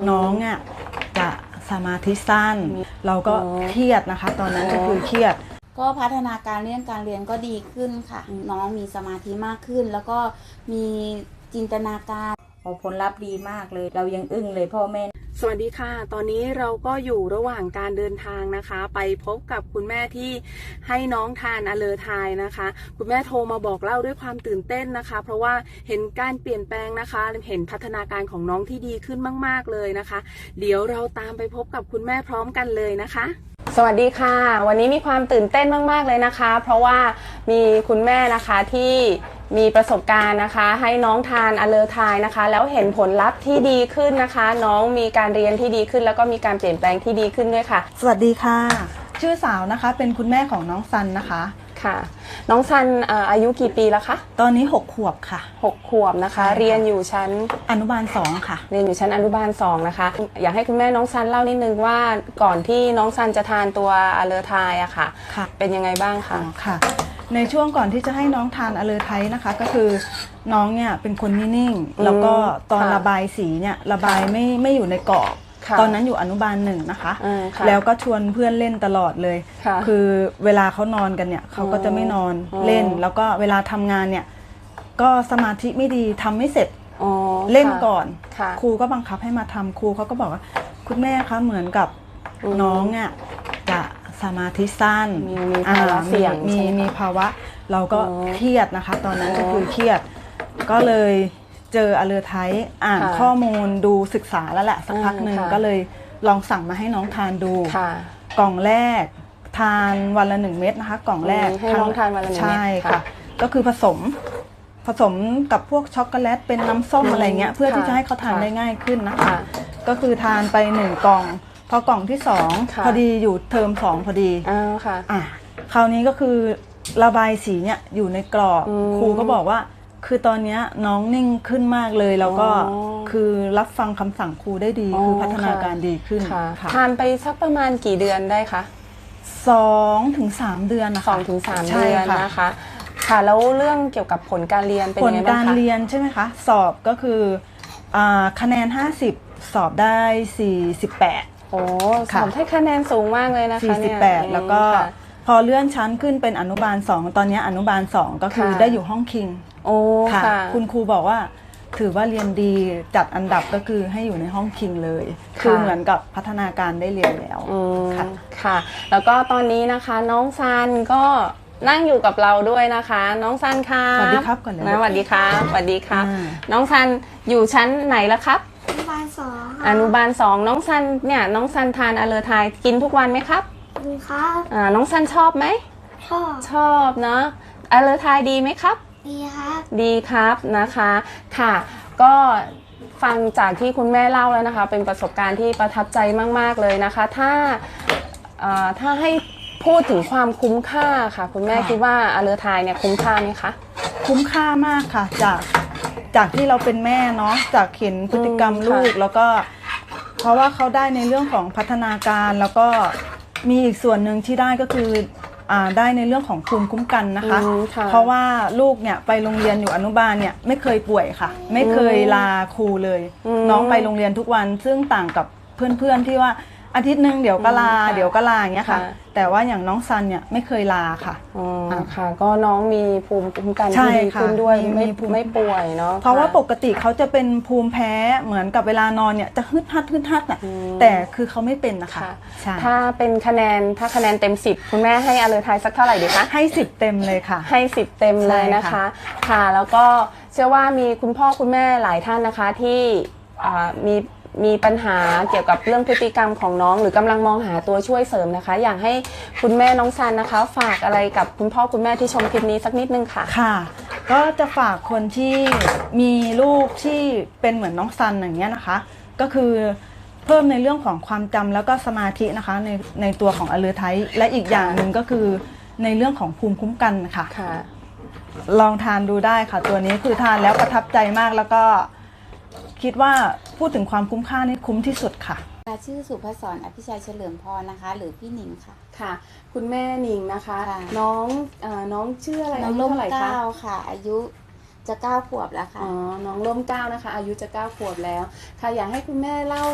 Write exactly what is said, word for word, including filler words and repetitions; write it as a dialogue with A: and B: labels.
A: น้องอ่ะจะสมาธิสั้นเราก็เครียดนะคะตอนนั้นก็คือเครียด
B: ก็พัฒนาการเรื่องการเรียนก็ดีขึ้นค่ะน้องมีสมาธิมากขึ้นแล้วก็มีจินตนาการ
C: ผลลัพธ์ดีมากเลยเรายังอึ้งเลยพ่อแม่
D: สวัสดีค่ะตอนนี้เราก็อยู่ระหว่างการเดินทางนะคะไปพบกับคุณแม่ที่ให้น้องทานอะเลอไทยนะคะคุณแม่โทรมาบอกเล่าด้วยความตื่นเต้นนะคะเพราะว่าเห็นการเปลี่ยนแปลงนะคะเห็นพัฒนาการของน้องที่ดีขึ้นมากๆเลยนะคะเดี๋ยวเราตามไปพบกับคุณแม่พร้อมกันเลยนะคะสวัสดีค่ะวันนี้มีความตื่นเต้นมากๆเลยนะคะเพราะว่ามีคุณแม่นะคะที่มีประสบการณ์นะคะให้น้องทานอะเลอไทยนะคะแล้วเห็นผลลัพธ์ที่ดีขึ้นนะคะน้องมีการเรียนที่ดีขึ้นแล้วก็มีการเปลี่ยนแปลงที่ดีขึ้นด้วยค่ะ
A: สวัสดีค่ะชื่อสาวนะคะเป็นคุณแม่ของน้องซันนะคะ
D: ค่ะน้องซันอายุกี่ปีแล้วคะ
A: ตอนนี้หกขวบค่ะ
D: หกขวบนะคะเรียนอยู่ชั้น
A: อนุบาลสองค่ะ
D: เรียนอยู่ชั้นอนุบาลสองนะคะอยากให้คุณแม่น้องซันเล่านิดนึงว่าก่อนที่น้องซันจะทานตัวอะเลอไทยอะค่ะเป็นยังไงบ้างคะ
A: ค่ะในช่วงก่อนที่จะให้น้องทานอะเลอไทยนะคะก็คือน้องเนี่ยเป็นคนนิ่งๆแล้วก็ตอนระบายสีเนี่ยระบายไม่ไม่อยู่ในกรอบตอนนั้นอยู่อนุบาลหนึ่งนะคะแล้วก็ชวนเพื่อนเล่นตลอดเลยคือเวลาเขานอนกันเนี่ยเขาก็จะไม่นอนเล่นแล้วก็เวลาทำงานเนี่ยก็สมาธิไม่ดีทำไม่เสร็จเล่นก่อนครูก็บังคับให้มาทำครูเขาก็บอกว่าคุณแม่คะเหมือนกับน้องอ่ะจะสมาธิสั้น
D: มีภาวะเสี่ยง
A: มีมีภาวะเราก็เครียดนะคะตอนนั้นก็คือเครียดก็เลยเจออะเลอไทยอ่านข้อมูลดูศึกษาแล้วแหละสักพักหนึ่งก็เลยลองสั่งมาให้น้องทานดูกล่องแรกทานวันละหนึ่งเม็ดนะคะกล่องแรก
D: ให้น้องทานวันละหนึ่งเม็ด
A: ใช่ค่ะก็คือผสมผสมกับพวกช็อกโกแลตเป็นน้ำส้มอะไรเงี้ยเพื่อที่จะให้เขาทานได้ง่ายขึ้นนะคะก็คือทานไปหนึ่งกล่องพอกล่องที่สองพอดีอยู่เทอมสองพอดี
D: อ้าวค่ะ
A: อ่ะคราวนี้ก็คือระบายสีเนี่ยอยู่ในกรอบครูก็บอกว่าคือตอนนี้น้องนิ่งขึ้นมากเลยแล้วก็คือรับฟังคำสั่งครูได้ดีคือพัฒนาการดีขึ้น
D: ทานไปสักประมาณกี่เดือนได้คะ
A: สองถึงสามเดือนนะคะ
D: สองถึงสามเดือนนะคะค่ะแล้วเรื่องเกี่ยวกับผลการเรียนเป็นยังไงบ้างคะ
A: ผลการเรียนใช่ไหมคะสอบก็คือคะแนนห้าสิบสอบได้สี่สิบแปด
D: โอ้สอบได้คะแนนสูงมากเลยนะคะ
A: สี่สิบแปดแล้วก็พอเลื่อนชั้นขึ้นเป็นอนุบาลสองตอนนี้อนุบาลสองก็คือได้อยู่ห้องคิง
D: โอ้ค่ะ
A: คุณครูบอกว่าถือว่าเรียนดีจัดอันดับก็คือให้อยู่ในห้องคิงเลยคือเหมือนกับพัฒนาการได้เรียนแล้ว
D: ค่ะค่ะแล้วก็ตอนนี้นะคะน้องซันก็นั่งอยู่กับเราด้วยนะคะน้องซันค่ะ
A: สวัสดีครับก่อนเลย
D: นะสวัสดีครับสวัสดีครับน้องซันอยู่ชั้นไหนแล้วครับ
E: อนุบาลสอง
D: อนุบาลสองน้องซันเนี่ยน้องซันทานอะเลอไทยกินทุกวันไหมครับ
E: กินครับ
D: อ่าน้องซันชอบไหม
E: ชอบ
D: ชอบเนาะอะเลอไทยดีไหมครับ
E: ดีครับ
D: ดีครับนะคะค่ะก็ฟังจากที่คุณแม่เล่าแล้วนะคะเป็นประสบการณ์ที่ประทับใจมากๆเลยนะคะถ้าถ้าให้พูดถึงความคุ้มค่าค่ะคุณแม่คิดว่าอะเลอไทยเนี่ยคุ้มค่าไหมคะ
A: คุ้มค่ามากค่ะจากจากที่เราเป็นแม่เนาะจากเห็นพฤติกรรมลูกแล้วก็เพราะว่าเขาได้ในเรื่องของพัฒนาการแล้วก็มีอีกส่วนหนึ่งที่ได้ก็คือได้ในเรื่องของภูมิคุ้มกันนะคะเพราะว่าลูกเนี่ยไปโรงเรียนอยู่อนุบาลเนี่ยไม่เคยป่วยค่ะไม่เคยลาครูเลยน้องไปโรงเรียนทุกวันซึ่งต่างกับเพื่อนๆที่ว่าอาทิตย์หนึ่งเดี๋ยวก็ลาเดี๋ยวก็ลาอย่างเงี้ยค่ะแต่ว่าอย่างน้องซันเนี่ยไม่เคยลาค่ะ
D: อ๋อค่ะก็น้องมีภูมิคุ้มกันที่ดีขึ้นด้วยไม่ไม่ป่วยเนาะ
A: เพราะว่าปกติเขาจะเป็นภูมิแพ้เหมือนกับเวลานอนเนี่ยจะฮึดฮัดฮึดฮัดน่ะแต่คือเขาไม่เป็นนะคะ
D: ถ้าเป็นคะแนนถ้าคะแนนเต็มสิบคุณแม่ให้อะเลอไทยสักเท่าไหร่ดีคะ
A: ให้สิบเต็มเลยค่ะ
D: ให้สิบเต็มเลยนะคะค่ะแล้วก็เชื่อว่ามีคุณพ่อคุณแม่หลายท่านนะคะที่มีมีปัญหาเกี่ยวกับเรื่องพฤติกรรมของน้องหรือกำลังมองหาตัวช่วยเสริมนะคะอยากให้คุณแม่น้องซันนะคะฝากอะไรกับคุณพ่อคุณแม่ที่ชมคลิปนี้สักนิดนึงค่ะ
A: ค่ะก็จะฝากคนที่มีลูกที่เป็นเหมือนน้องซันอย่างเงี้ยนะคะก็คือเพิ่มในเรื่องของความจำแล้วก็สมาธินะคะในในตัวของอะเลอไทยและอีกอย่างหนึ่งก็คือในเรื่องของภูมิคุ้มกันค่ะลองทานดูได้ค่ะตัวนี้คือทานแล้วประทับใจมากแล้วก็คิดว่าพูดถึงความคุ้มค่านี่คุ้มที่สุดค่ะ
B: ชื่อสุภศรอภิชัยเฉลิมพรนะคะหรือพี่หนิงค่ะ
D: ค่ะคุณแม่หนิงนะคะน้องน้องชื่ออะไร
B: น้องร่มเก้าค่ะอายุจะเก้าขวบแล้วค่ะ
D: อ๋อน้องร่มเก้านะคะอายุจะเก้าขวบแล้วค่ะอยากให้คุณแม่เล่า